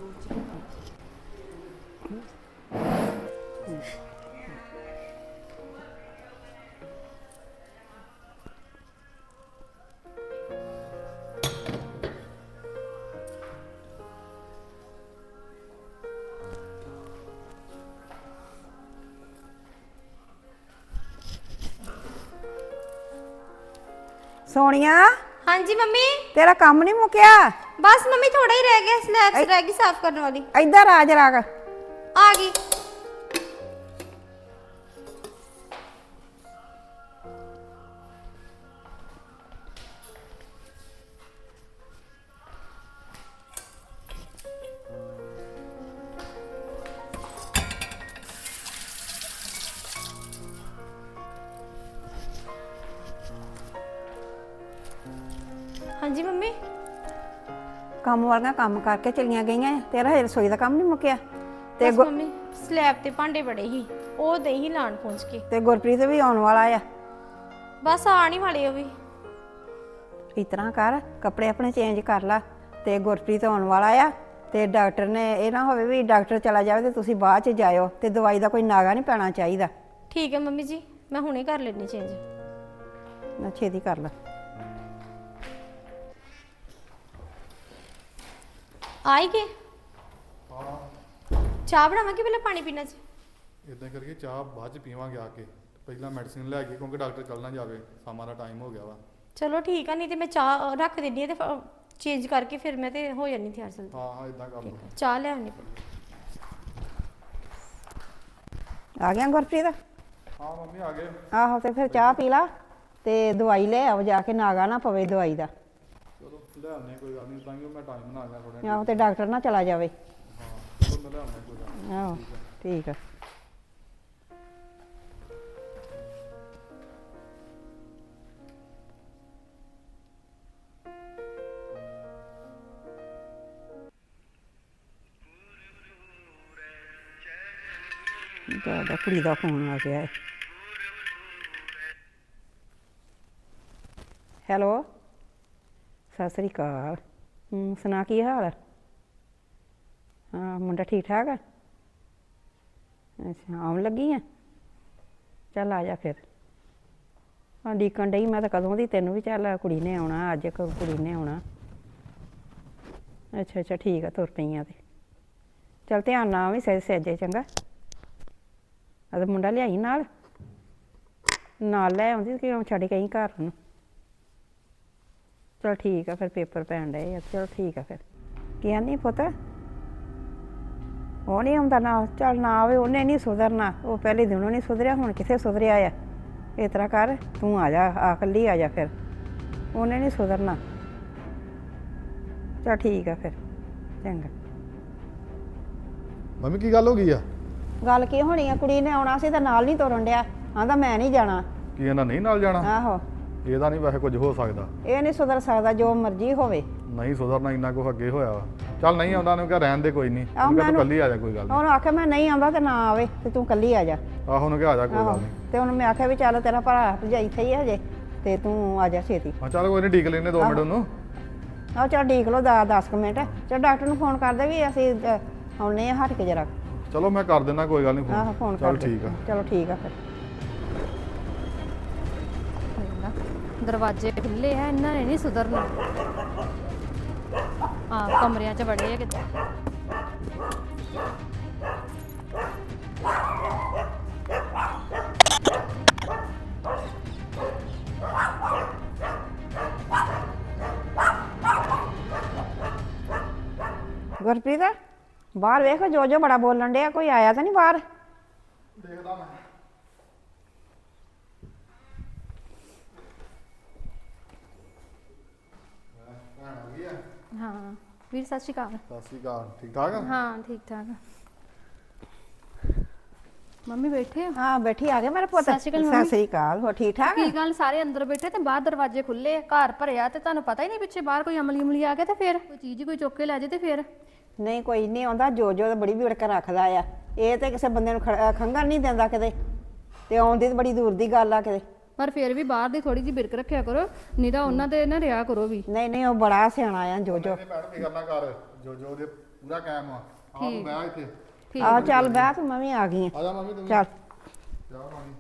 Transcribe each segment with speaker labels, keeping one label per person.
Speaker 1: सोनिया
Speaker 2: हाँ जी मम्मी।
Speaker 1: तेरा काम नहीं मुक्या?
Speaker 2: बस मम्मी थोड़ा ही रह गया, स्लैब्स रह गई साफ करने वाली।
Speaker 1: इधर आ जरा
Speaker 2: आ गई। हाँ जी मम्मी।
Speaker 1: काम वालियां काम करके चलियां गईयां। तेरा हजे रसोई दा काम नहीं मुक्या?
Speaker 2: बस मम्मी स्लैब ते भांडे बड़े ही, ओ दे ही लाण पहुंच के।
Speaker 1: ते गुरप्रीत भी आने वाला आ।
Speaker 2: बस आने वाले हो भी।
Speaker 1: इस तरह कर, कपड़े अपने चेंज कर ला ते गुरप्रीत आने वाला आ ते डॉक्टर ने ये ना होवे भी डॉक्टर चला जाए ते तुसीं बाद च जाओ ते दवाई दा कोई नागा नहीं पैना चाहिदा।
Speaker 2: ठीक है मम्मी जी, मैं हुणे कर लेनी चेंज।
Speaker 1: ना छेती कर ला।
Speaker 2: आई गए? ਚਾਹ ਬਣਾਵਾਂ ਕਿ ਪਹਿਲਾਂ ਪਾਣੀ ਪੀਣਾ ਜੀ?
Speaker 3: ਇਦਾਂ ਕਰਕੇ ਚਾਹ ਬਾਅਦ ਚ ਪੀਵਾਂਗੇ ਆ ਕੇ, ਪਹਿਲਾਂ ਮੈਡੀਸਿਨ ਲੈ ਕੇ, ਕਿਉਂਕਿ ਡਾਕਟਰ ਚੱਲ ਨਾ ਜਾਵੇ, ਸ਼ਾਮਾਂ ਦਾ ਟਾਈਮ ਹੋ ਗਿਆ ਵਾ।
Speaker 2: ਚਲੋ ਠੀਕ ਆ, ਨਹੀਂ ਤੇ ਮੈਂ ਚਾਹ ਰੱਖ ਦਿੰਦੀ ਆ ਤੇ ਚੇਂਜ ਕਰਕੇ ਫਿਰ ਮੈਂ ਤੇ ਹੋ ਜਾਣੀ ਤਿਆਰ ਜਲਦੀ।
Speaker 3: ਹਾਂ ਹਾਂ ਇਦਾਂ ਕਰ ਲਓ।
Speaker 2: ਚਾਹ ਲੈ ਆਉਣੀ।
Speaker 1: आ गया गुरप्रीत?
Speaker 3: ਹਾਂ ਮੰਮੀ ਆ ਗਏ।
Speaker 1: आहो ते फिर चाह पी ला ते दवाई ले आओ जाके, नागा ना पवे दवाई दा।
Speaker 3: ਚਲੋ ਲੈ ਆਉਂਦੇ ਕੋਈ ਗੱਲ ਨਹੀਂ, ਤਾਂ ਹੀ ਮੈਂ ਟਾਈਮ ਬਣਾ ਗਿਆ ਥੋੜਾ।
Speaker 1: आहो ते डॉक्टर ना चला जावे।
Speaker 3: ਹਾਂ ਚਲੋ ਮੈਂ ਲੈ ਆਉਂਦਾ ਕੋਈ ਗੱਲ ਨਹੀਂ।
Speaker 1: ਆਹੋ ਠੀਕ ਆ। ਜਿਆਦਾ ਕੁੜੀ ਦਾ ਫੋਨ ਆ ਗਿਆ ਹੈ। ਹੈਲੋ ਸਤਿ ਸ੍ਰੀ ਅਕਾਲ। ਸੁਣਾ ਕੀ ਹਾਲ ਹੈ? ਹਾਂ ਮੁੰਡਾ ਠੀਕ ਠਾਕ ਆ? ਅੱਛਾ ਆਉਣ ਲੱਗੀ ਆ? ਚੱਲ ਆ ਜਾ ਫਿਰ। ਹਾਂ ਡੀਕਣ ਡਈ ਮੈਂ ਤਾਂ ਕਦੋਂ ਦੀ ਤੈਨੂੰ ਵੀ। ਚੱਲ ਕੁੜੀ ਨੇ ਆਉਣਾ ਅੱਜ, ਕੁੜੀ ਨੇ ਆਉਣਾ। ਅੱਛਾ ਅੱਛਾ ਠੀਕ ਆ, ਤੁਰ ਪਈ ਆ ਤੇ ਚੱਲ ਧਿਆਨ ਨਾਲ ਵੀ ਸਹਿਜੇ ਚੰਗਾ। ਅਤੇ ਮੁੰਡਾ ਲਿਆਈ ਨਾਲ ਲੈ ਆਉਂਦੀ ਕਿ ਛੱਡ ਕੇ ਆਈ ਘਰ ਨੂੰ। ਚਲ ਠੀਕ ਆ ਫਿਰ, ਪੇਪਰ ਪੈਣ ਡਏ ਆ। ਚਲੋ ਠੀਕ ਆ ਫਿਰ। ਕੀ ਆਨੀ ਪੁੱਤ? ਉਹ ਨਹੀਂ ਆਉਂਦਾ ਨਾਲ? ਚੱਲ ਨਾ ਆਵੇ, ਉਹਨੇ ਨਹੀਂ ਸੁਧਰਨਾ। ਉਹ ਪਹਿਲੇ ਦਿਨੋਂ ਨਹੀਂ ਸੁਧਰਿਆ, ਹੁਣ ਕਿੱਥੇ ਸੁਧਰਿਆ ਆ। ਇਸ ਤਰ੍ਹਾਂ ਕਰ ਤੂੰ ਆ ਜਾ, ਆ ਇਕੱਲੀ ਆ ਜਾ ਫਿਰ। ਉਹਨੇ ਨਹੀਂ ਸੁਧਰਨਾ। ਚਲ ਠੀਕ ਆ ਫਿਰ ਚੰਗਾ।
Speaker 3: ਮੰਮੀ ਕੀ ਗੱਲ ਹੋ ਗਈ ਆ?
Speaker 1: ਗੱਲ ਕੀ ਹੋਣੀ ਆ, ਕੁੜੀ ਨੇ ਆਉਣਾ ਸੀ ਤਾਂ ਨਾਲ ਨਹੀਂ ਤੁਰਨ ਡਿਆ। ਆਂਦਾ ਮੈਂ ਨਹੀਂ ਜਾਣਾ।
Speaker 3: ਕੀ ਇਹਨਾਂ ਨਹੀਂ ਨਾਲ ਜਾਣਾ?
Speaker 1: ਆਹੋ
Speaker 3: ਇਹਦਾ ਨਹੀਂ ਵੈਸੇ ਕੁਝ ਹੋ ਸਕਦਾ।
Speaker 1: ਇਹ ਨਹੀਂ ਸੁਧਰ ਸਕਦਾ, ਜੋ ਮਰਜ਼ੀ ਹੋਵੇ।
Speaker 3: ਨਹੀਂ ਸੁਧਰਨਾ, ਇੰਨਾ ਕੁ ਅੱਗੇ ਹੋਇਆ ਵਾ। ਚੱਲ ਨਹੀਂ ਆਉਂਦਾ, ਉਹਨੂੰ ਕਿਹਾ ਰਹਿਣ ਦੇ, ਕੋਈ ਨਹੀਂ।
Speaker 1: ਆਹੋ
Speaker 3: ਉਹਨੂੰ ਕਿਹਾ ਤੂੰ ਕੱਲੀ ਆ ਜਾ, ਕੋਈ ਗੱਲ ਨਹੀਂ।
Speaker 1: ਉਹਨੂੰ ਆਖਿਆ ਮੈਂ ਨਹੀਂ ਆਉਂਦਾ ਤੇ ਨਾ ਆਵੇ ਤੇ ਤੂੰ ਕੱਲੀ ਆ ਜਾ।
Speaker 3: ਆਹੋ ਉਹਨੂੰ ਕਿਹਾ ਆ ਜਾ, ਕੋਈ ਗੱਲ ਨਹੀਂ।
Speaker 1: ਤੇ ਉਹਨੂੰ ਮੈਂ ਆਖਿਆ ਵੀ ਚੱਲ ਤੇਰਾ ਭਰਾ ਭਰਜਾਈ ਇੱਥੇ ਹੀ ਹਜੇ ਤੇ ਤੂੰ ਆ ਜਾ ਛੇਤੀ।
Speaker 3: ਹਾਂ ਚੱਲ ਕੋਈ ਨਹੀਂ, ਡੀਕ ਲੈਨੇ 2 ਮਿੰਟ ਉਹਨੂੰ।
Speaker 1: ਆਹ ਚੱਲ ਡੀਕ ਲਓ 10 ਮਿੰਟ। ਚੱਲ ਡਾਕਟਰ ਨੂੰ ਫੋਨ ਕਰਦੇ ਵੀ ਅਸੀਂ ਆਉਣੇ ਆ, ਹਟ ਕੇ ਜਰਾ।
Speaker 3: ਚਲੋ ਮੈਂ ਕਰ ਦਿੰਦਾ, ਕੋਈ ਗੱਲ ਨਹੀਂ
Speaker 1: ਆਹੋ ਫੋਨ ਕਰ
Speaker 3: ਚੱਲ ਠੀਕ ਆ।
Speaker 1: ਚਲੋ ਠੀਕ ਆ ਫਿਰ।
Speaker 2: ਦਰਵਾਜ਼ੇ ਖੁੱਲੇ ਆ, ਇਹਨਾਂ ਨੇ ਨਹੀਂ ਸੁਧਰਨਾ। ਹਾਂ ਕਮਰਿਆਂ 'ਚ ਵੜੇ ਆ ਕਿਤੇ।
Speaker 1: ਗੁਰਪ੍ਰੀਤ ਬਾਹਰ ਵੇਖ, ਜੋ ਬੜਾ ਬੋਲਣ ਡਿਆ। ਕੋਈ ਆਇਆ ਤਾਂ ਨਹੀਂ ਬਾਹਰ?
Speaker 3: ਦੇਖਦਾ ਮੈਂ।
Speaker 2: ਹਾਂ ਵੀਰ ਸਤਿ ਸ਼੍ਰੀ ਅਕਾਲ।
Speaker 3: ਸਤਿ ਸ਼੍ਰੀ ਅਕਾਲ। ਠੀਕ ਠਾਕ ਆ?
Speaker 2: ਹਾਂ ਠੀਕ ਠਾਕ। ਮੰਮੀ ਬੈਠੇ ਹੋ?
Speaker 1: ਹਾਂ ਬੈਠੀ ਆ ਗਿਆ ਮੇਰਾ ਪੁੱਤ।
Speaker 2: ਸਤਿ ਸ਼੍ਰੀ ਅਕਾਲ
Speaker 1: ਸਤਿ
Speaker 2: ਮੰਮੀ।
Speaker 1: ਸ੍ਰੀ ਅਕਾਲ। ਹੋ ਠੀਕ ਠਾਕ?
Speaker 2: ਕੀ ਗੱਲ ਸਾਰੇ ਅੰਦਰ ਬੈਠੇ ਤੇ ਬਾਹਰ ਦਰਵਾਜ਼ੇ ਖੁੱਲੇ ਆ, ਘਰ ਭਰਿਆ ਤੇ ਤੁਹਾਨੂੰ ਪਤਾ ਹੀ ਨਹੀਂ ਪਿੱਛੇ ਬਾਹਰ ਕੋਈ ਅਮਲੀ ਆ ਗਿਆ ਤੇ ਫਿਰ ਕੋਈ ਚੀਜ਼ ਕੋਈ ਚੁੱਕ ਕੇ ਲੈ ਜੇ ਤੇ ਫਿਰ।
Speaker 1: ਨਹੀਂ ਕੋਈ ਨਹੀਂ ਆਉਂਦਾ। ਜੋ ਤਾਂ ਬੜੀ ਵਿੜਕ ਰੱਖਦਾ ਆ। ਇਹ ਤੇ ਕਿਸੇ ਬੰਦੇ ਨੂੰ ਖੰਘਣ ਨਹੀਂ ਦਿੰਦਾ ਕਿਤੇ, ਤੇ ਆਉਂਦੀ ਤਾਂ ਬੜੀ ਦੂਰ ਦੀ ਗੱਲ ਆ ਕਿਤੇ।
Speaker 2: ਪਰ ਫਿਰ ਵੀ ਬਾਹਰ ਦੀ ਥੋੜੀ ਜਿਹੀ ਬਿਰਕ ਰੱਖਿਆ ਕਰੋ, ਨਹੀਂ ਤਾਂ ਉਹਨਾਂ ਦੇ ਨਾ ਰਿਹਾ ਕਰੋ ਵੀ।
Speaker 1: ਨਹੀਂ ਉਹ ਬੜਾ ਸਿਆਣਾ ਆ ਜੋ।
Speaker 3: ਨਹੀਂ ਭੈਣ, ਫਿਕਰ ਨਾ ਕਰ। ਜੋ ਉਹਦੇ ਪੂਰਾ ਕਾਇਮ ਆ ਆਪ ਬਹਿ ਇੱਥੇ
Speaker 2: ਠੀਕ
Speaker 1: ਆ ਚੱਲ ਬਹਿ ਤੂੰ, ਮੈਂ ਵੀ ਆ ਗਈ
Speaker 3: ਆ ਜਾ ਮੰਮੀ ਤੂੰ
Speaker 1: ਆ
Speaker 3: ਵੀ।
Speaker 1: ਚੱਲ
Speaker 3: ਜਾ ਮੰਮੀ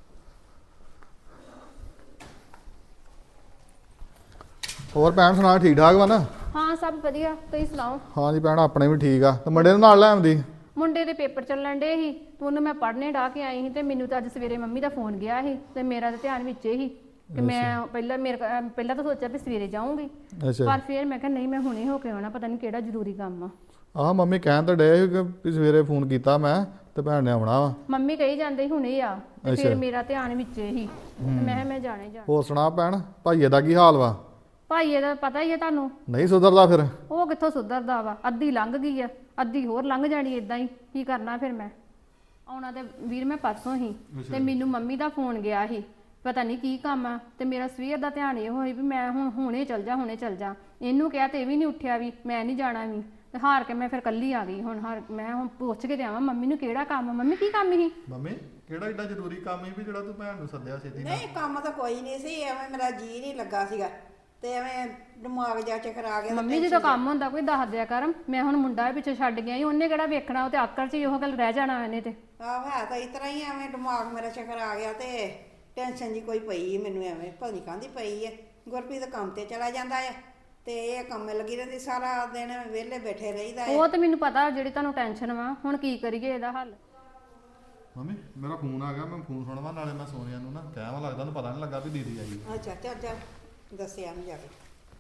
Speaker 3: ਹੋਰ ਭੈਣ ਸੁਣਾ ਠੀਕ ਠਾਕ ਵਾ ਨਾ?
Speaker 2: ਹਾਂ ਸਭ ਵਧੀਆ, ਤੁਸੀਂ ਸੁਣਾਓ?
Speaker 3: ਹਾਂ ਜੀ ਭੈਣ ਆਪਣੇ ਵੀ ਠੀਕ ਆ ਤੇ ਮੁੰਡੇ ਨੂੰ ਨਾਲ ਲੈ ਆਉਂਦੀ।
Speaker 2: ਮੁੰਡੇ ਦੇ ਪੇਪਰ ਚੱਲਣ ਡੇ ਸੀ ਤੇ ਉਹਨੂੰ ਮੈਂ ਪੜ੍ਹਨੇ ਡਾ ਕੇ ਆਈ ਸੀ ਤੇ ਮੈਨੂੰ ਤਾਂ ਅੱਜ ਸਵੇਰੇ ਮੰਮੀ ਦਾ ਫੋਨ ਗਿਆ ਸੀ ਤੇ ਮੇਰਾ ਤਾਂ ਧਿਆਨ ਵਿੱਚ ਹੀ ਕਿ ਮੈਂ ਪਹਿਲਾਂ ਤਾਂ ਸੋਚਿਆ ਵੀ ਸਵੇਰੇ ਜਾਊਂਗੀ,
Speaker 3: ਅੱਛਾ
Speaker 2: ਪਰ ਫਿਰ ਮੈਂ ਕਿਹਾ ਨਹੀਂ, ਮੈਂ ਹੁਣੇ ਹੋ ਕੇ ਆਉਣਾ, ਪਤਾ ਨਹੀਂ ਕਿਹੜਾ ਜ਼ਰੂਰੀ ਕੰਮ ਆ।
Speaker 3: ਆਹ ਮੰਮੀ ਕਹਿਣ ਤਾਂ ਡੇ ਕਿ ਸਵੇਰੇ ਫੋਨ ਕੀਤਾ ਮੈਂ ਤੇ ਭੈਣ ਨੇ ਆਉਣਾ ਵਾ।
Speaker 2: ਮੰਮੀ ਕਹੀ ਜਾਂਦੇ ਸੀ ਹੁਣੇ ਆ ਤੇ
Speaker 3: ਅੱਛਾ।
Speaker 2: ਫਿਰ ਮੇਰਾ ਧਿਆਨ ਵਿੱਚ ਹੀ ਤੇ ਮੈਂ ਕਿਹਾ ਮੈਂ ਜਾਣਾ ਹੀ ਜਾਣਾ।
Speaker 3: ਹੋਰ ਸੁਣਾ ਭੈਣ, ਭਾਈਏ ਦਾ ਕੀ ਹਾਲ ਵਾ?
Speaker 2: ਭਾਈ ਇਹਦਾ ਪਤਾ ਹੀ ਹੈ ਤੁਹਾਨੂੰ,
Speaker 3: ਨਹੀਂ ਸੁਧਰਦਾ ਫਿਰ?
Speaker 2: ਉਹ ਕਿੱਥੋਂ ਸੁਧਰਦਾ ਵਾ, ਅੱਧੀ ਲੰਘ ਗਈ ਆ, ਅੱਧੀ ਹੋਰ ਲੰਘ ਜਾਣੀ ਇਦਾਂ ਹੀ, ਕੀ ਕਰਨਾ ਫਿਰ ਮੈਂ। ਆਉਣਾ ਤੇ ਵੀਰ ਮੈਂ ਪਰਸੋਂ ਹੀ ਤੇ ਮੈਨੂੰ ਮੰਮੀ ਦਾ ਫੋਨ ਗਿਆ ਸੀ, ਪਤਾ ਨਹੀਂ ਕੀ ਕੰਮ ਆ, ਤੇ ਮੇਰਾ ਸਵੇਰ ਦਾ ਧਿਆਨ ਇਹ ਹੋਈ ਵੀ ਮੈਂ ਹੁਣੇ ਚੱਲ ਜਾ। ਇਹਨੂੰ ਕਿਹਾ ਤੇ ਇਹ ਵੀ ਨਹੀਂ ਉੱਠਿਆ ਵੀ ਮੈਂ ਨਹੀਂ ਜਾਣਾ ਵੀ, ਤੇ ਹਾਰ ਕੇ ਮੈਂ ਫਿਰ ਕੱਲੀ ਆ ਗਈ। ਮੈਂ ਹੁਣ ਪੁੱਛ ਕੇ ਦੇਵਾਂ ਮੰਮੀ ਨੂੰ ਕਿਹੜਾ ਕੰਮ ਆ, ਮੰਮੀ ਕੀ ਕੰਮ ਸੀ?
Speaker 3: ਮੰਮੀ ਕਿਹੜਾ ਏਡਾ ਜ਼ਰੂਰੀ ਕੰਮ ਸੀ ਵੀ ਜਿਹੜਾ ਤੂੰ ਭੈਣ ਨੂੰ ਸੱਦਿਆ ਛੇਤੀ ਨਾਲ?
Speaker 1: ਨਹੀਂ ਕੰਮ ਤਾਂ ਕੋਈ ਨਹੀਂ ਸੀ, ਐਵੇਂ ਮੇਰਾ ਜੀ ਨਹੀਂ ਲੱਗਾ ਸੀਗਾ ਤੇ ਐਵੇਂ ਦਿਮਾਗ ਜਾ ਚੱਕਰ ਆ ਗਿਆ।
Speaker 2: ਮੰਮੀ ਜਦੋਂ ਕੰਮ ਹੁੰਦਾ ਕੋਈ ਦੱਸ ਦਿਆ ਕਰ, ਮੈਂ ਹੁਣ ਮੁੰਡਾ ਵੀ ਪਿੱਛੇ ਛੱਡ ਗਿਆ ਸੀ, ਉਹਨੇ ਕਿਹੜਾ ਵੇਖਣਾ, ਉਹ ਤੇ ਆਕਰ 'ਚ ਹੀ ਉਹ ਗੱਲ ਰਹਿ ਜਾਣਾ ਇਹਨੇ ਤੇ।
Speaker 1: ਆਹ ਹੈ ਤਾਂ ਇਸ ਤਰ੍ਹਾਂ ਹੀ, ਐਵੇਂ ਦਿਮਾਗ ਮੇਰਾ ਚੱਕਰ ਆ ਗਿਆ ਤੇ ਟੈਨਸ਼ਨ ਜੀ ਕੋਈ ਪਈ ਮੈਨੂੰ, ਐਵੇਂ ਪਤਾ ਨਹੀਂ ਕਾਹਦੀ ਪਈ ਹੈ। ਗੁਰਪ੍ਰੀਤ ਕੰਮ ਤੇ ਚਲਾ ਜਾਂਦਾ ਹੈ ਤੇ ਇਹ ਕੰਮ ਲੱਗੀ ਰਹਿੰਦੀ, ਸਾਰਾ ਦਿਨ ਵਿਹਲੇ ਬੈਠੇ ਰਹੀਦਾ ਹੈ।
Speaker 2: ਉਹ ਤੇ ਮੈਨੂੰ ਪਤਾ ਜਿਹੜੀ ਤੁਹਾਨੂੰ ਟੈਨਸ਼ਨ ਵਾ, ਹੁਣ ਕੀ ਕਰੀਏ ਇਹਦਾ ਹੱਲ?
Speaker 3: ਮੰਮੀ ਮੇਰਾ ਫੋਨ ਆ ਗਿਆ, ਮੈਂ ਫੋਨ ਸੁਣਵਾ, ਨਾਲੇ ਮੈਂ ਸੋਨੀਆ ਨੂੰ ਨਾ ਕਹਿਵਾ, ਲੱਗਦਾ ਉਹਨੂੰ ਪਤਾ ਨਹੀਂ ਲੱਗਾ ਵੀ ਦੀਦੀ ਆਈ।
Speaker 1: ਅੱਛਾ ਚੱਲ ਦੱਸਿਆ ਨਹੀਂ ਜਾ ਕੇ।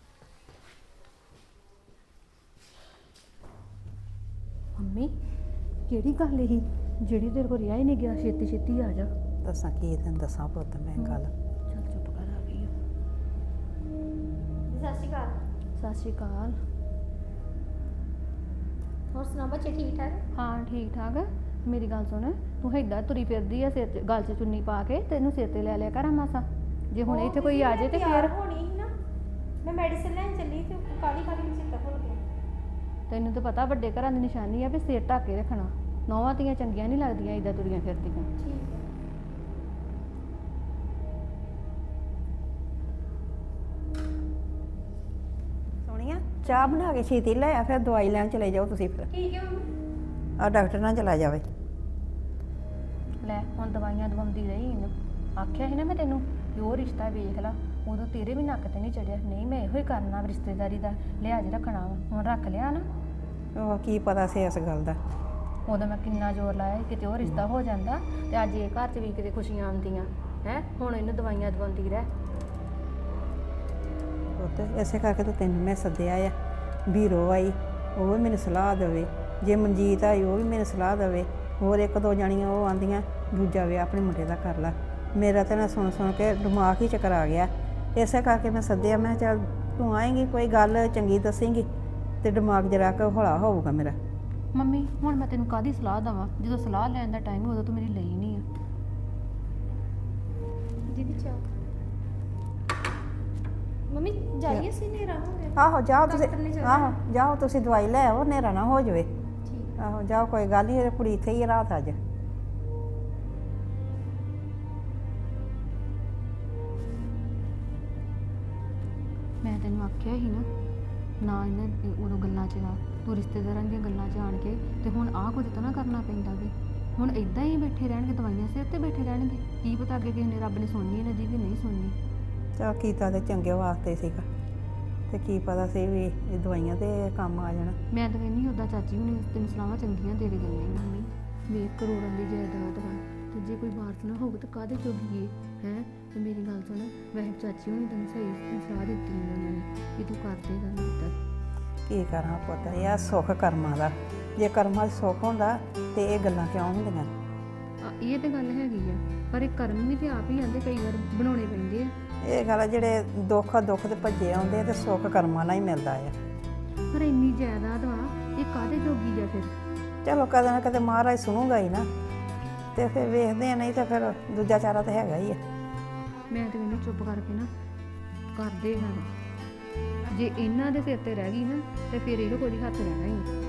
Speaker 2: ਮੰਮੀ ਕਿਹੜੀ ਗੱਲ ਇਹੀ ਜਿਹੜੀ ਤੇਰੇ ਕੋਲ ਰਿਹਾ ਹੀ ਨਹੀਂ ਗਿਆ, ਛੇਤੀ ਛੇਤੀ ਆ ਜਾ।
Speaker 1: ਦੱਸਾਂ ਕੀ ਤੈਨੂੰ ਦੱਸਾਂ ਪੁੱਤ ਮੈਂ ਗੱਲ।
Speaker 2: ਚੱਲ ਚੁੱਪ ਕਰ, ਆ ਗਈ ਆ।
Speaker 4: ਸਤਿ ਸ਼੍ਰੀ ਅਕਾਲ।
Speaker 2: ਸਤਿ ਸ਼੍ਰੀ ਅਕਾਲ।
Speaker 4: ਹੋਰ ਸੁਣਾ ਬੱਚੇ ਠੀਕ ਠਾਕ?
Speaker 2: ਹਾਂ ਠੀਕ ਠਾਕ। ਮੇਰੀ ਗੱਲ ਸੁਣ, ਤੂੰ ਏਦਾਂ ਤੁਰੀ ਫਿਰਦੀ ਆ ਸਿਰ 'ਚ ਗਲ 'ਚ ਚੁੰਨੀ ਪਾ ਕੇ, ਤੈਨੂੰ ਸਿਰ ਤੇ ਲੈ ਲਿਆ ਕਰ ਮਾਸਾ, ਜੇ ਹੁਣ ਇੱਥੇ ਕੋਈ ਆ ਜਾਏ ਤੇ ਫਿਰ
Speaker 4: ਹੋਣੀ ਸੀ ਨਾ, ਮੈਂ ਮੈਡੀਸਿਨ ਲੈਣ ਚੱਲੀ ਤੇ ਕਾਲੀ ਕਾਲੀ ਚਿੱਤਾ ਭੁੱਲ ਗਿਆ।
Speaker 2: ਤੈਨੂੰ ਤਾਂ ਪਤਾ ਵੱਡੇ ਘਰਾਂ ਦੀ ਨਿਸ਼ਾਨੀ ਆ ਵੀ ਸਿਰ ਢੱਕ ਕੇ ਰੱਖਣਾ। ਨੌਵਾਂ ਧੀਆਂ ਚੰਗੀਆਂ ਨਹੀਂ ਲੱਗਦੀਆਂ ਏਦਾਂ ਤੁਰੀਆਂ ਫਿਰਦੀਆਂ।
Speaker 4: ਠੀਕ ਹੈ।
Speaker 1: ਸੋਹਣੀਆ ਚਾਹ ਬਣਾ ਕੇ ਛੇਤੀ ਲੈ ਆ, ਫਿਰ ਦਵਾਈ ਲੈਣ ਚਲੇ ਜਾਓ ਤੁਸੀਂ। ਫਿਰ
Speaker 4: ਠੀਕ ਹੈ ਮੰਮੀ।
Speaker 1: ਆ ਡਾਕਟਰ ਨਾਲ ਚਲਾ ਜਾਵੇ।
Speaker 2: ਲੈ ਹੁਣ ਦਵਾਈਆਂ ਦਵਾਉਂਦੀ ਰਹੀ ਇਹਨੂੰ, ਆਖਿਆ ਸੀ ਨਾ ਮੈਂ ਤੈਨੂੰ ਕਿ ਉਹ ਰਿਸ਼ਤਾ ਵੇਖ ਲਾ, ਉਦੋਂ ਤੇਰੇ ਵੀ ਨੱਕ ਤੇ ਨਹੀਂ ਚੜਿਆ। ਨਹੀਂ ਮੈਂ ਇਹੋ ਹੀ ਕਰਨਾ, ਰਿਸ਼ਤੇਦਾਰੀ ਦਾ ਲਿਹਾਜ਼ ਰੱਖਣਾ ਵਾ, ਹੁਣ ਰੱਖ ਲਿਆ ਨਾ।
Speaker 1: ਉਹ ਕੀ ਪਤਾ ਸੀ ਇਸ ਗੱਲ ਦਾ।
Speaker 2: ਉਦੋਂ ਮੈਂ ਕਿੰਨਾ ਜ਼ੋਰ ਲਾਇਆ ਸੀ ਕਿਤੇ ਉਹ ਰਿਸ਼ਤਾ ਹੋ ਜਾਂਦਾ, ਤੇ ਅੱਜ ਇਹ ਘਰ 'ਚ ਵੀ ਕਿਤੇ ਖੁਸ਼ੀਆਂ ਆਉਂਦੀਆਂ ਹੈ। ਹੁਣ ਇਹਨੂੰ ਦਵਾਈਆਂ ਦਵਾਉਂਦੀ ਰਹਿ।
Speaker 1: ਪੁੱਤ ਇਸੇ ਕਰਕੇ ਤਾਂ ਤੈਨੂੰ ਮੈਂ ਸੱਦਿਆ ਆ। ਵੀਰੋ ਆਈ ਉਹ ਵੀ ਮੈਨੂੰ ਸਲਾਹ ਦੇਵੇ, ਜੇ ਮਨਜੀਤ ਆਈ ਉਹ ਵੀ ਮੈਨੂੰ ਸਲਾਹ ਦੇਵੇ, ਹੋਰ ਇੱਕ ਦੋ ਜਾਣੀਆਂ ਉਹ ਆਂਦੀਆਂ ਦੂਜਾ ਵਿਆਹ ਆਪਣੇ ਮੁੰਡੇ ਦਾ ਕਰ ਲਾ। ਮੇਰਾ ਤਾਂ ਨਾ ਸੁਣ ਕੇ ਦਿਮਾਗ ਹੀ ਚੱਕਰ ਆ ਗਿਆ, ਇਸੇ ਕਰਕੇ ਮੈਂ ਸੱਦਿਆ। ਮੈਂ ਚੱਲ ਤੂੰ ਆਏਂਗੀ, ਕੋਈ ਗੱਲ ਚੰਗੀ ਦੱਸੇਂਗੀ ਤੇ ਦਿਮਾਗ ਜਰਾ ਕੁ ਹੌਲਾ ਹੋਊਗਾ ਮੇਰਾ।
Speaker 2: ਮੰਮੀ ਹੁਣ ਮੈਂ ਤੈਨੂੰ ਕਾਹਦੀ ਸਲਾਹ ਦੇਵਾਂ, ਜਦੋਂ ਸਲਾਹ ਲੈਣ ਦਾ ਟਾਈਮ ਉਦੋਂ ਤੂੰ ਮੇਰੀ ਲਈ ਨਹੀਂ ਆ।
Speaker 4: ਦੀਦੀ ਚਾਹ ਮੰਮੀ ਜਾਈਏ ਸੀ, ਹਨੇਰਾ ਹੋ ਗਿਆ।
Speaker 1: ਆਹੋ ਜਾਓ ਤੁਸੀਂ,
Speaker 4: ਡਾਕਟਰ ਨੇ ਜਾਣਾ।
Speaker 1: ਆਹੋ ਜਾਓ ਤੁਸੀਂ ਦਵਾਈ ਲੈ ਆਓ, ਹਨੇਰਾ ਨਾ ਹੋ ਜਾਵੇ।
Speaker 4: ਠੀਕ।
Speaker 1: ਆਹੋ ਜਾਓ, ਕੋਈ ਗੱਲ ਨਹੀਂ, ਕੁੜੀ ਇੱਥੇ ਹੀ ਆ ਰਾਤ ਅੱਜ।
Speaker 2: ਮੈਂ ਤੈਨੂੰ ਆਖਿਆ ਸੀ ਨਾ ਇਹਨਾਂ ਉਦੋਂ ਗੱਲਾਂ 'ਚ ਆ, ਤੂੰ ਰਿਸ਼ਤੇਦਾਰਾਂ ਦੀਆਂ ਗੱਲਾਂ 'ਚ ਆਣ ਕੇ ਤੇ ਹੁਣ ਆਹ ਕੁਝ ਤਾਂ ਨਾ ਕਰਨਾ ਪੈਂਦਾ ਵੀ। ਹੁਣ ਇਦਾਂ ਹੀ ਬੈਠੇ ਰਹਿਣਗੇ, ਦਵਾਈਆਂ ਸਿਰ ਤੇ ਬੈਠੇ ਰਹਿਣਗੇ। ਕੀ ਪਤਾ ਅੱਗੇ ਕਿਸੇ ਨੇ ਰੱਬ ਨੇ ਸੁਣਨੀ ਇਹਨਾਂ ਦੀ ਕਿ ਨਹੀਂ ਸੁਣਨੀ।
Speaker 1: ਚਲ ਕੀਤਾ ਤੇ ਚੰਗੇ ਵਾਸਤੇ ਸੀਗਾ, ਤੇ ਕੀ ਪਤਾ ਸੀ ਵੀ ਇਹ ਦਵਾਈਆਂ ਤੇ ਕੰਮ ਆ ਜਾਣਾ।
Speaker 2: ਮੈਂ ਤਾਂ ਕਹਿੰਦੀ ਉੱਦਾਂ ਚਾਚੀ ਹੁਣੀ ਤੈਨੂੰ ਸਲਾਹਾਂ ਚੰਗੀਆਂ ਦੇ ਕੇ ਗਈਆਂ ਸੀ ਮੰਮੀ, ਵੀ ਕਰੋੜਾਂ ਦੀ ਜਾਇਦਾਦ ਵਾ ਤੇ ਜੇ ਕੋਈ ਵਾਰਸ ਨਾ ਹੋਊ ਤਾਂ ਕਾਹਦੇ ਜੋਗੀ ਹੈ। ਤੇ ਮੇਰੀ ਗੱਲ ਸੁਣ, ਵੈਸੇ ਚਾਚੀ ਹੁਣੀ ਤੈਨੂੰ ਸਹੀ ਸਲਾਹ ਦਿੱਤੀ ਉਹਨਾਂ ਨੇ ਕਿ ਤੂੰ ਕਰ ਦੇ ਗੱਲ ਇੱਦਾਂ।
Speaker 1: ਕੀ ਕਰਾਂ ਪੁੱਤ, ਇਹ ਆ ਸੁੱਖ ਕਰਮਾਂ ਦਾ। ਜੇ ਕਰਮਾਂ 'ਚ ਸੁੱਖ ਹੁੰਦਾ ਤੇ ਇਹ ਗੱਲਾਂ ਕਿਉਂ ਹੁੰਦੀਆਂ?
Speaker 2: ਇਹ ਤੇ ਗੱਲ ਹੈਗੀ ਆ, ਪਰ ਇਹ ਕਰਮ ਵੀ ਤੇ ਆਪ ਹੀ ਆਂਦੇ ਕਈ ਵਾਰ ਬਣਾਉਣੇ ਪੈਂਦੇ ਆ।
Speaker 1: ਇਹ ਗੱਲ ਆ, ਜਿਹੜੇ ਦੁੱਖ ਤੇ ਭੱਜੇ ਆਉਂਦੇ ਆ ਤੇ ਸੁੱਖ ਕਰਮਾਂ ਨਾਲ ਹੀ ਮਿਲਦਾ ਆ।
Speaker 2: ਪਰ ਇੰਨੀ ਜਾਇਦਾਦ ਵਾ, ਇਹ ਕਾਹਦੇ ਜੋਗੀ ਆ ਫਿਰ?
Speaker 1: ਚਲੋ ਕਦੇ ਨਾ ਕਦੇ ਮਹਾਰਾਜ ਸੁਣੂਗਾ ਹੀ ਨਾ, ਤੇ ਫਿਰ ਵੇਖਦੇ ਆ, ਨਹੀਂ ਤਾਂ ਫਿਰ ਦੂਜਾ ਚਾਰਾ ਤਾਂ ਹੈਗਾ ਹੀ ਆ।
Speaker 2: ਮੈਂ ਤੇ ਇਹਨੂੰ ਚੁੱਪ ਕਰਕੇ ਨਾ ਕਰਦੇ ਹਾਂ, ਜੇ ਇਹਨਾਂ ਦੇ ਸਿਰ ਤੇ ਰਹਿ ਗਈ ਨਾ ਤੇ ਫਿਰ ਇਹੋ ਕੋਈ ਹੱਥ ਰਹਿਣਾ ਹੀ ਨਹੀਂ।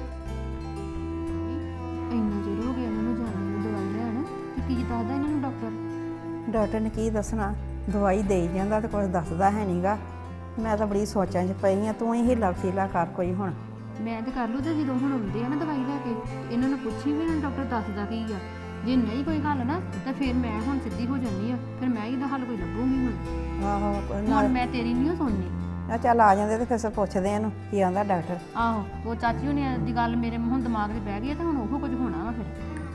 Speaker 2: ਇੰਨਾ ਚਿਰ ਹੋ ਗਿਆ ਇਹਨਾਂ ਨੂੰ ਜਾਣ ਨੂੰ, ਦਵਾਈ ਲੈਣ ਤੇ ਕੀ ਦੱਸਦਾ ਇਹਨਾਂ ਨੂੰ
Speaker 1: ਡਾਕਟਰ ਨੇ ਕੀ ਦੱਸਣਾ, ਦਵਾਈ ਦੇਈ ਜਾਂਦਾ ਤੇ ਕੁਝ ਦੱਸਦਾ ਹੈ ਨਹੀਂਗਾ। ਮੈਂ ਤਾਂ ਬੜੀ ਸੋਚਾਂ 'ਚ ਪਈ ਆ, ਤੂੰ ਹੀ ਹੀਲਾ ਵਸੀਲਾ ਕਰ ਕੋਈ ਹੁਣ।
Speaker 2: ਮੈਂ ਤੇ ਕਰ ਲੂ ਤੇ ਜਦੋਂ ਹੁਣ ਆਉਂਦੇ ਆ ਨਾ ਦਵਾਈ ਲੈ ਕੇ ਤੇ ਇਹਨਾਂ ਨੂੰ ਪੁੱਛੀ ਵੀ ਇਹਨਾਂ ਡਾਕਟਰ ਦੱਸਦਾ ਕੀ ਆ। ਜੇ ਨਹੀਂ ਕੋਈ ਹੱਲ ਨਾ ਤਾਂ ਫਿਰ ਮੈਂ ਹੁਣ ਸਿੱਧੀ ਹੋ ਜੰਨੀ ਆ, ਫਿਰ ਮੈਂ ਇਹਦਾ ਹੱਲ ਕੋਈ ਲੱਭੂਗੀ ਹੁਣ।
Speaker 1: ਆਹੋ
Speaker 2: ਹੁਣ ਮੈਂ ਤੇਰੀ ਨਹੀਂ ਸੁਣਨੀ।
Speaker 1: ਆ ਚੱਲ ਆ ਜਾਂਦੇ ਤੇ ਫਿਰ ਪੁੱਛਦੇ ਇਹਨੂੰ ਕੀ ਆਂਦਾ ਡਾਕਟਰ।
Speaker 2: ਆਹੋ ਉਹ ਚਾਚੀ ਹੁਣੇ ਦੀ ਗੱਲ ਮੇਰੇ ਹੁਣ ਦਿਮਾਗ 'ਚ ਬਹਿ ਗਈ ਆ ਤੇ ਹੁਣ ਉਹ ਕੁਝ ਹੋਣਾ ਵਾ ਫਿਰ।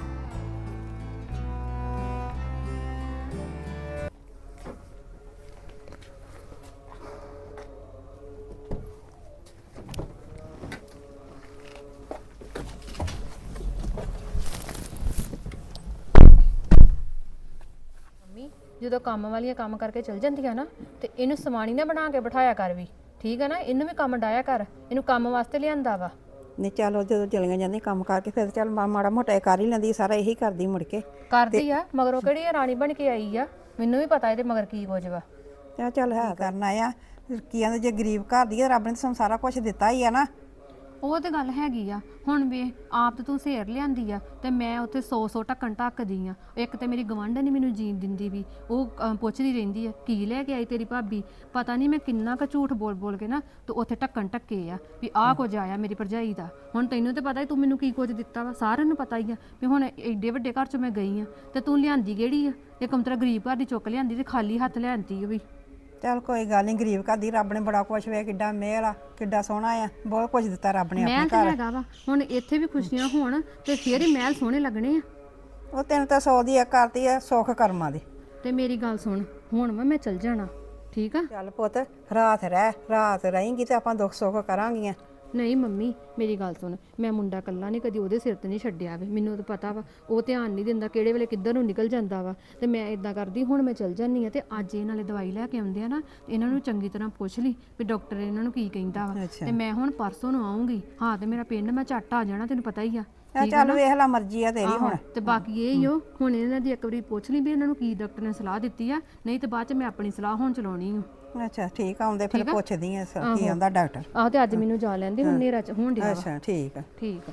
Speaker 2: ਜਦੋਂ ਕੰਮ ਵਾਲੀਆਂ ਕੰਮ ਕਰਕੇ ਚਲ ਜਾਂਦੀਆਂ ਨਾ ਤੇ ਇਹਨੂੰ ਸਮਾਣੀ ਨਾ ਬਣਾ ਕੇ ਬਿਠਾਇਆ ਕਰ ਵੀ, ਠੀਕ ਹੈ ਨਾ। ਇਹਨੂੰ ਵੀ ਕੰਮ ਡਾਇਆ ਕਰ, ਇਹਨੂੰ ਕੰਮ ਵਾਸਤੇ ਲਿਆਂਦਾ ਵਾ।
Speaker 1: ਨਹੀਂ ਚਲੋ ਜਦੋਂ ਚਲੀਆਂ ਜਾਂਦੀਆਂ ਕੰਮ ਕਰਕੇ ਫਿਰ ਚੱਲ ਮਾੜਾ ਮੋਟਾ ਇਹ ਕਰ ਹੀ ਲੈਂਦੀ, ਸਾਰਾ ਇਹੀ ਕਰਦੀ ਮੁੜ ਕੇ।
Speaker 2: ਕਰਦੀ ਆ ਮਗਰੋਂ ਕਿਹੜੀ ਇਹ ਰਾਣੀ ਬਣ ਕੇ ਆਈ ਆ, ਮੈਨੂੰ ਵੀ ਪਤਾ ਇਹਦੇ ਮਗਰ ਕੀ ਕੁਝ ਵਾ।
Speaker 1: ਤੇ ਚੱਲ ਹੈ ਕਰਨਾ ਆ ਕੀ ਆਂਦੇ, ਜੇ ਗਰੀਬ ਘਰ ਦੀ ਆ ਰੱਬ ਨੇ ਸਾਨੂੰ ਸਾਰਾ ਕੁਝ ਦਿੱਤਾ ਹੀ ਆ ਨਾ।
Speaker 2: ਉਹ ਤੇ ਗੱਲ ਹੈਗੀ ਆ। ਹੁਣ ਵੇ ਆਪ ਤੇ ਤੂੰ ਸੇਰ ਲਿਆਂਦੀ ਆ ਤੇ ਮੈਂ ਉੱਥੇ 100 ਢੱਕਣ ਢੱਕਦੀ ਆ। ਇੱਕ ਤੇ ਮੇਰੀ ਗਵਾਂਢਣ ਨਹੀਂ ਮੈਨੂੰ ਜੀਣ ਦਿੰਦੀ ਵੀ, ਉਹ ਪੁੱਛਦੀ ਰਹਿੰਦੀ ਆ ਕੀ ਲੈ ਕੇ ਆਈ ਤੇਰੀ ਭਾਬੀ। ਪਤਾ ਨਹੀਂ ਮੈਂ ਕਿੰਨਾ ਕੁ ਝੂਠ ਬੋਲ ਬੋਲ ਕੇ ਨਾ ਤੇ ਉੱਥੇ ਢੱਕਣ ਢੱਕੇ ਆ ਵੀ ਆਹ ਕੁਝ ਆਇਆ ਮੇਰੀ ਭਰਜਾਈ ਦਾ। ਹੁਣ ਤੈਨੂੰ ਤੇ ਪਤਾ ਹੀ ਤੂੰ ਮੈਨੂੰ ਕੀ ਕੁਝ ਦਿੱਤਾ ਵਾ, ਸਾਰਿਆਂ ਨੂੰ ਪਤਾ ਹੀ ਆ ਵੀ ਹੁਣ ਏਡੇ ਵੱਡੇ ਘਰ 'ਚ ਮੈਂ ਗਈ ਆ ਤੇ ਤੂੰ ਲਿਆਂਦੀ ਕਿਹੜੀ ਆ। ਇਹ ਕੰਤਰਾ ਗਰੀਬ ਘਰ ਦੀ ਚੁੱਕ ਲਿਆਂਦੀ ਤੇ ਖਾਲੀ ਹੱਥ ਲਿਆਂਦੀ ਆ ਵੀ।
Speaker 1: ਚੱਲ ਕੋਈ ਗੱਲ ਨਹੀਂ, ਗਰੀਬ ਘਰ ਦੀ ਰੱਬ ਨੇ ਬੜਾ ਕੁਛ ਵੇ, ਕਿੱਡਾ ਮਿਹਰ ਆ, ਕਿੱਡਾ ਸੋਹਣਾ ਆ, ਬਹੁਤ ਕੁਝ ਦਿੱਤਾ ਰੱਬ ਨੇ ਆਪਣੇ
Speaker 2: ਮਹਿਲ ਤਾਂ
Speaker 1: ਘਰ।
Speaker 2: ਹੈਗਾ ਵਾ, ਹੁਣ ਇੱਥੇ ਵੀ ਖੁਸ਼ੀਆਂ ਹੋਣ ਤੇ ਫੇਰ ਹੀ ਮਹਿਲ ਸੋਹਣੇ ਲੱਗਣੇ ਆ।
Speaker 1: ਉਹ ਤੈਨੂੰ ਤਾਂ 100 ਦੀ ਇੱਕ ਕਰਤੀ ਆ, ਸੁੱਖ ਕਰਮਾਂ ਦੀ।
Speaker 2: ਤੇ ਮੇਰੀ ਗੱਲ ਸੁਣ, ਹੁਣ ਮੈਂ ਚੱਲ ਜਾਣਾ, ਠੀਕ ਆ।
Speaker 1: ਚੱਲ ਪੁੱਤ ਰਾਤ ਰਹੇਂਗੀ ਤੇ ਆਪਾਂ ਦੁੱਖ ਸੁੱਖ ਕਰਾਂਗੀਆਂ।
Speaker 2: ਨਹੀਂ ਮੰਮੀ ਮੇਰੀ ਗੱਲ ਸੁਣ, ਮੈਂ ਮੁੰਡਾ ਕੱਲਾ ਨਹੀਂ ਕਦੀ ਉਹਦੇ ਸਿਰ ਤੇ ਨਹੀਂ ਛੱਡਿਆ ਵੇ। ਮੈਨੂੰ ਤਾਂ ਪਤਾ ਵਾ ਉਹ ਧਿਆਨ ਨਹੀਂ ਦਿੰਦਾ, ਕਿਹੜੇ ਵੇਲੇ ਕਿੱਧਰ ਨੂੰ ਨਿਕਲ ਜਾਂਦਾ ਵਾ। ਤੇ ਮੈਂ ਇਦਾਂ ਕਰਦੀ, ਹੁਣ ਮੈਂ ਚੱਲ ਜਾਂਦੀ ਆ ਤੇ ਅੱਜ ਇਹ ਨਾਲੇ ਦਵਾਈ ਲੈ ਕੇ ਆਉਂਦੇ ਆ ਨਾ, ਇਹਨਾਂ ਨੂੰ ਚੰਗੀ ਤਰ੍ਹਾਂ ਪੁੱਛ ਲਈ ਵੀ ਡਾਕਟਰ ਇਹਨਾਂ ਨੂੰ ਕੀ ਕਹਿੰਦਾ ਵਾ। ਤੇ ਮੈਂ ਹੁਣ ਪਰਸੋਂ ਨੂੰ ਆਉਂਗੀ। ਹਾਂ ਤੇ ਮੇਰਾ ਪਿੰਡ ਮੈਂ ਝੱਟ ਆ ਜਾਣਾ, ਤੈਨੂੰ ਪਤਾ ਹੀ ਆ।
Speaker 1: ਚੱਲ ਵੇਖ ਲੈ, ਮਰਜ਼ੀ ਆ ਤੇਰੀ ਹੁਣ।
Speaker 2: ਤੇ ਬਾਕੀ ਇਹ ਹੀ ਹੋ, ਹੁਣ ਇਹਨਾਂ ਦੀ ਇੱਕ ਵਾਰੀ ਪੁੱਛ ਲਈ ਵੀ ਇਹਨਾਂ ਨੂੰ ਕੀ ਡਾਕਟਰ ਨੇ ਸਲਾਹ ਦਿੱਤੀ ਆ, ਨਹੀਂ ਤੇ ਬਾਅਦ ਚ ਮੈਂ ਆਪਣੀ ਸਲਾਹ ਹੁਣ ਚਲਾਉਣੀ ਆ।
Speaker 1: ਅੱਛਾ ਠੀਕ ਆ, ਆਉਂਦੇ ਫਿਰ ਪੁੱਛਦੀ ਆ ਕੀ ਆਂਦਾ ਡਾਕਟਰ।
Speaker 2: ਆਹ ਤੇ ਅੱਜ ਮੈਨੂੰ ਜਾ ਲੈਂਦੀ, ਹੁਣ ਨੇਰਾ ਚ ਹੋਣ ਡਿਆ ਵਾ।
Speaker 1: ਅੱਛਾ ਠੀਕ ਆ,
Speaker 2: ਠੀਕ ਆ।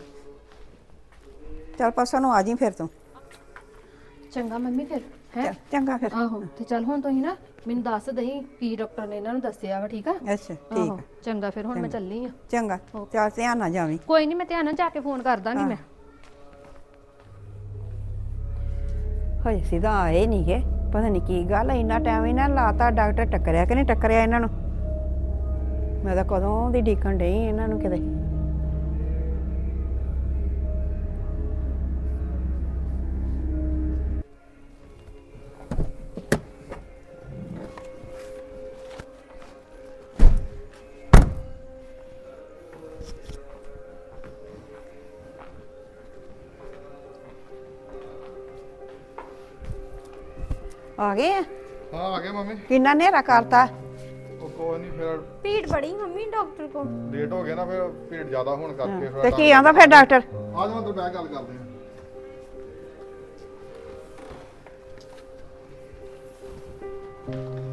Speaker 1: ਚੱਲ ਪਰਸੋਂ ਨੂੰ ਆ ਜੀ ਫਿਰ ਤੂੰ।
Speaker 2: ਚੰਗਾ ਮੰਮੀ ਫਿਰ ਹੈ।
Speaker 1: ਚੰਗਾ ਫਿਰ।
Speaker 2: ਆਹੋ ਤੇ ਚੱਲ ਹੁਣ ਤੁਸੀਂ ਨਾ ਮੈਨੂੰ ਦੱਸ ਦਈ ਕੀ ਡਾਕਟਰ ਨੇ ਇਹਨਾਂ ਨੂੰ ਦੱਸਿਆ ਵਾ, ਠੀਕ ਆ।
Speaker 1: ਅੱਛਾ ਠੀਕ ਆ,
Speaker 2: ਚੰਗਾ ਫਿਰ ਹੁਣ ਮੈਂ ਚੱਲੀ ਆ।
Speaker 1: ਚੰਗਾ ਚੱਲ ਧਿਆਨ ਨਾਲ ਜਾਵੀਂ।
Speaker 2: ਕੋਈ ਨਹੀਂ, ਮੈਂ ਧਿਆਨ ਨਾਲ ਜਾ ਕੇ ਫੋਨ ਕਰ ਦਾਂਗੀ ਮੈਂ।
Speaker 1: ਹਜੇ ਸਿੱਧਾ ਆਏ ਨਹੀਂ ਗੇ, ਪਤਾ ਨਹੀਂ ਕੀ ਗੱਲ ਹੈ, ਇੰਨਾ ਟਾਈਮ ਇਹਨਾਂ ਲਾਤਾ। ਡਾਕਟਰ ਟੱਕਰਿਆ ਕਿ ਨਹੀਂ ਟੱਕਰਿਆ ਇਹਨਾਂ ਨੂੰ, ਮੈਂ ਤਾਂ ਕਦੋਂ ਦੀ ਡੀਕਣ ਡਈ ਇਹਨਾਂ ਨੂੰ ਕਿਤੇ। ਆ ਗਏ ਆ?
Speaker 3: ਹਾਂ ਆ ਗਏ ਮੰਮੀ।
Speaker 1: ਕਿੰਨਾ ਹਨੇਰਾ ਕਰਤਾ।
Speaker 3: ਉਹ ਕੋਈ ਨਹੀਂ, ਫਿਰ
Speaker 4: ਭੀੜ ਬੜੀ ਮੰਮੀ ਡਾਕਟਰ ਕੋ।
Speaker 3: ਲੇਟ ਹੋ ਗਿਆ ਨਾ, ਫਿਰ ਭੀੜ ਜ਼ਿਆਦਾ ਹੋਣ ਕਰਕੇ
Speaker 1: ਤੇ ਕੀ ਆਂਦਾ ਫਿਰ ਡਾਕਟਰ?
Speaker 3: ਆ ਜਾਓ ਅੰਦਰ ਬਹਿ ਕੇ ਗੱਲ ਕਰਦੇ ਆ।